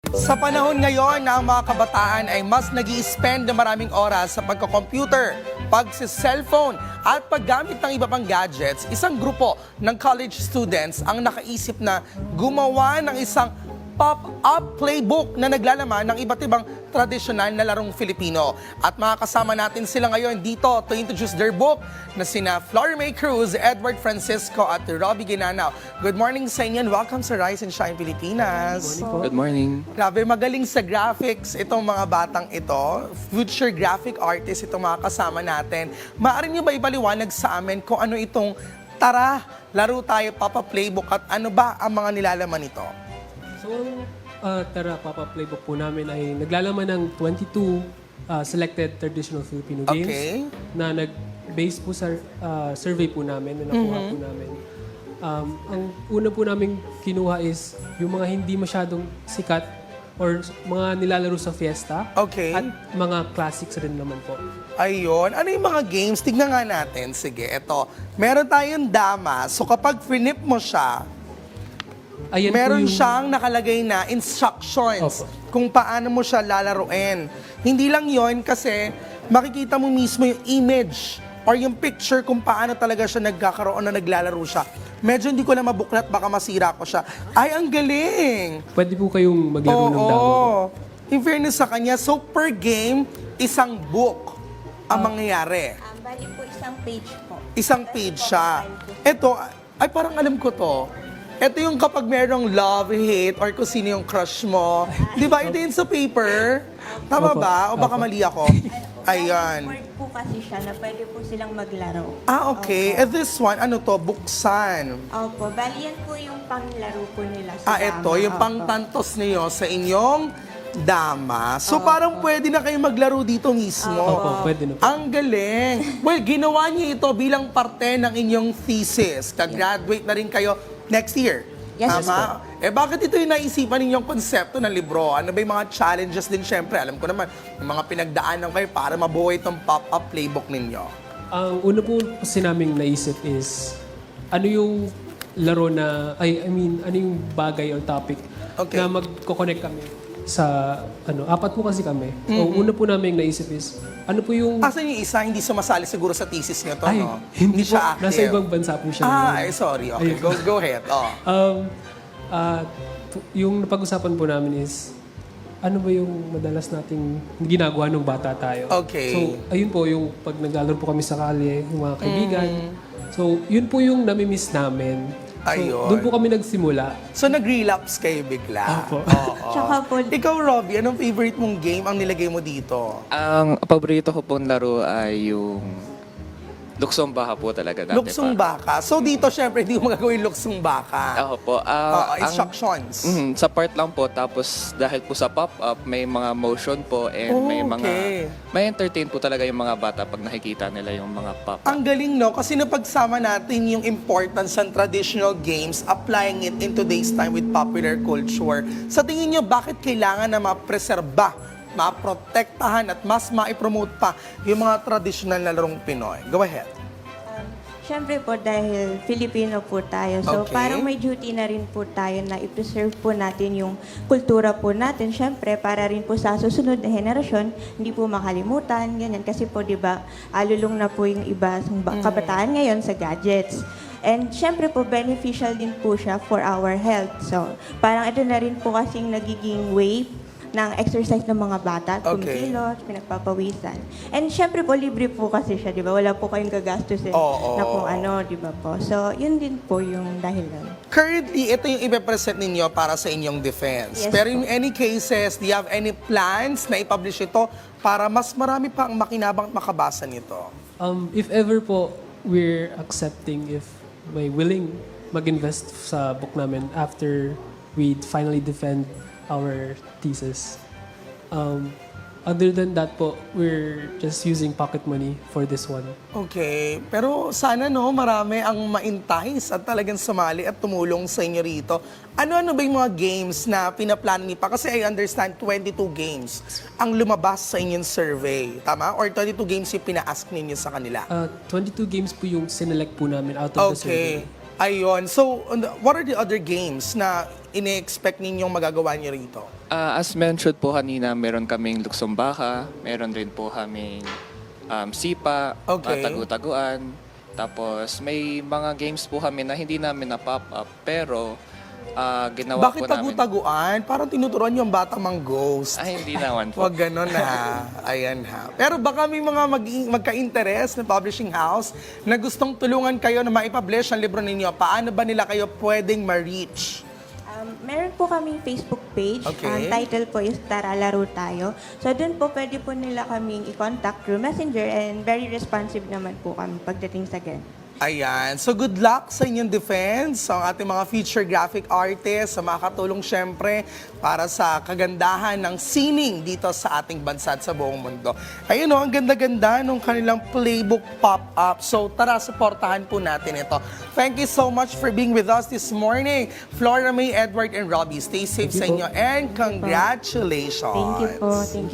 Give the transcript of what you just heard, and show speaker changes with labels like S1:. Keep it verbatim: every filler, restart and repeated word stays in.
S1: Sa panahon ngayon na ang mga kabataan ay mas nag spend ng maraming oras sa pagko-computer, pagsi-cellphone at paggamit ng iba pang gadgets, isang grupo ng college students ang nakaisip na gumawa ng isang pop-up playbook na naglalaman ng iba't ibang tradisyonal na larong Filipino. At makakasama natin sila ngayon dito to introduce their book na sina Flor May Cruz, Edward Francisco at Robbie Ginanaw. Good morning sa inyo and welcome sa Rise and Shine Pilipinas.
S2: Good morning.
S1: Grabe, magaling sa graphics itong mga batang ito. Future graphic artist itong mga kasama natin. Maaari niyo ba ibaliwanag sa amin kung ano itong tara, laro tayo, Papa Playbook at ano ba ang mga nilalaman nito?
S3: So, ang uh, Tara Papa Playbook po namin ay naglalaman ng twenty-two uh, selected traditional Filipino games
S1: Okay.
S3: na nag-base po sa uh, survey po namin na nakuha po namin. Um, ang una po namin kinuha is yung mga hindi masyadong sikat or mga nilalaro sa fiesta
S1: Okay.
S3: at mga classics rin naman po.
S1: Ayun. Ano yung mga games? Tignan nga natin. Sige, eto. Meron tayong dama. So kapag finip mo siya,
S3: Ayan po
S1: meron
S3: yung-
S1: siyang nakalagay na instructions
S3: Opo.
S1: kung paano mo siya lalaruin. Hindi lang yon kasi makikita mo mismo yung image or yung picture kung paano talaga siya nagkakaroon na naglalaro siya. Medyo hindi ko na mabuklat, baka masira ko siya. Ay, ang galing!
S3: Pwede po kayong maglaro ng damo.
S1: Oo. In fairness sa kanya, so per game, isang book ang mangyayari.
S4: Um, bali po isang page po.
S1: Isang page siya. Ito, ay parang alam ko to. Ito yung kapag merong love, hate, or kung sino yung crush mo. Di ba? Ito yun sa paper. Tama
S3: Opo.
S1: ba? O baka
S3: Opo.
S1: mali ako? Ayan.
S4: Word po kasi siya na pwede po silang maglaro.
S1: Ah, okay. Eh, this one, ano to? Buksan.
S4: Opo, bali yan po yung panglaro po nila sa
S1: Ah, ito,
S4: dama.
S1: yung
S4: Opo.
S1: pangtantos niyo sa inyong dama. So, parang pwede na kayo maglaro dito mismo.
S3: Opo, pwede na po.
S1: Ang galing. Well, ginawa niyo ito bilang parte ng inyong thesis. Ka-graduate na rin kayo next year.
S4: Yes,
S1: Tama? Eh, bakit ito yung naisipan ninyong konsepto ng libro? Ano ba yung mga challenges din, syempre? Alam ko naman, yung mga pinagdaanan kayo para mabuhay itong pop-up playbook ninyo.
S3: Ang una po kasi naming naisip is, ano yung laro na, ay, I mean, ano yung bagay or topic
S1: Okay.
S3: na magko-connect kami sa, ano, apat po kasi kami. So, una po naming naisip is, ano po yung,
S1: Asan yung isa, hindi sumasali siguro sa thesis niyo to,
S3: ay,
S1: no?
S3: hindi, po,
S1: siya active.
S3: nasa ibang bansa po siya.
S1: Ah,
S3: ngayon.
S1: ay, sorry. Okay,
S3: Ayun.
S1: go, go ahead. Oh.
S3: Um, ah, t- yung napag-usapan po namin is, ano ba yung madalas nating ginagawa nung bata tayo?
S1: Okay.
S3: So, ayun po, yung pag naglalaro po kami sa kalye, yung mga kaibigan.
S1: Mm.
S3: So, yun po yung nami-miss namin. So,
S1: Ayun.
S3: doon po kami nagsimula.
S1: So, nag-relapse kayo bigla.
S3: Opo.
S1: Oo.
S4: Tsaka po,
S1: Ikaw, Robbie, anong favorite mong game ang nilagay mo dito?
S2: Ang paborito ko pong laro ay yung Luksong Baka po talaga dati
S1: Luksong
S2: pa.
S1: baka. So, dito, syempre, hindi mo magagawin luksong baka.
S2: Ako po.
S1: Oo,
S2: ah, ang-
S1: instructions.
S2: Mhm, sa part lang po. Tapos dahil po sa pop-up, may mga motion po and
S1: Oh,
S2: may mga...
S1: okay.
S2: May entertain po talaga yung mga bata pag nakikita nila yung mga pop-up.
S1: Ang galing, no? Kasi napagsama natin yung importance ng traditional games, applying it in today's time with popular culture. Sa tingin nyo, bakit kailangan na mapreserba, maprotektahan at mas maipromote pa yung mga traditional na larong Pinoy? Go ahead.
S4: um, syempre po dahil Filipino po tayo. So
S1: Okay.
S4: parang may duty na rin po tayo na i-preserve po natin yung kultura po natin. Syempre para rin po sa susunod na henerasyon, hindi po makalimutan, ganyan. Kasi po di ba, alulong na po yung iba sa ba- kabataan ngayon sa gadgets. And syempre po, beneficial din po siya for our health. So, parang ito na rin po kasing nagiging way ng exercise ng mga bata,
S1: Okay.
S4: kumikilos, pinagpapawisan. And syempre po, libre po kasi siya, di ba? Wala po kayong gagastusin
S1: Oo.
S4: na kung ano, di ba po? So, yun din po yung dahilan.
S1: Currently, ito yung ipipresent ninyo para sa inyong defense.
S4: Yes
S1: Pero
S4: po.
S1: in any cases, do you have any plans na i-publish ito para mas marami pa ang makinabang at makabasa nito?
S3: Um, if ever po, we're accepting if may willing mag-invest sa book namin after we finally defend our thesis. Um, other than that po, we're just using pocket money for this one.
S1: Okay. Pero sana no, marami ang ma-entice at talagang sumali at tumulong sa inyo rito. Ano-ano ba yung mga games na pinaplano niyo pa? Kasi I understand twenty-two games ang lumabas sa inyong survey. Tama? Or twenty-two games yung pina-ask ninyo sa kanila?
S3: Uh, twenty-two games po yung sinelect po namin out of the survey.
S1: Okay. Ayun. So, and what are the other games na ini-expect ninyong magagawa niyo rito?
S2: Ah, as mentioned po kanina, meron kaming luksong baka, meron rin po kaming um, sipa,
S1: Okay.
S2: uh, tagu-taguan. Tapos may mga games po kami na hindi namin na-pop up pero ah, ginawa
S1: Bakit
S2: po namin.
S1: tagu-taguan? Parang tinuturuan yung bata mang ghost.
S2: Ay, hindi naman po.
S1: Huwag ganon ha. Ayan ha. Pero baka may mga mag magka-interest na publishing house na gustong tulungan kayo na maipublish ang libro ninyo. Paano ba nila kayo pwedeng ma-reach?
S4: Um, meron po kaming Facebook page.
S1: Okay.
S4: Ang title po is Tara Laro Tayo. So doon po pwede po nila kaming i-contact through Messenger and very responsive naman po kami pagdating sa ganun.
S1: Ayan. So good luck sa inyong defense, sa ating mga feature graphic artists, sa makakatulong syempre para sa kagandahan ng sining dito sa ating bansa at sa buong mundo. Ayun o, ang ganda-ganda nung kanilang playbook pop-up. So tara, supportahan po natin ito. Thank you so much for being with us this morning. Flora May, Edward, and Robbie, stay safe
S3: Thank
S1: sa
S3: you po.
S1: inyo and congratulations.
S4: Thank you po. Thank you.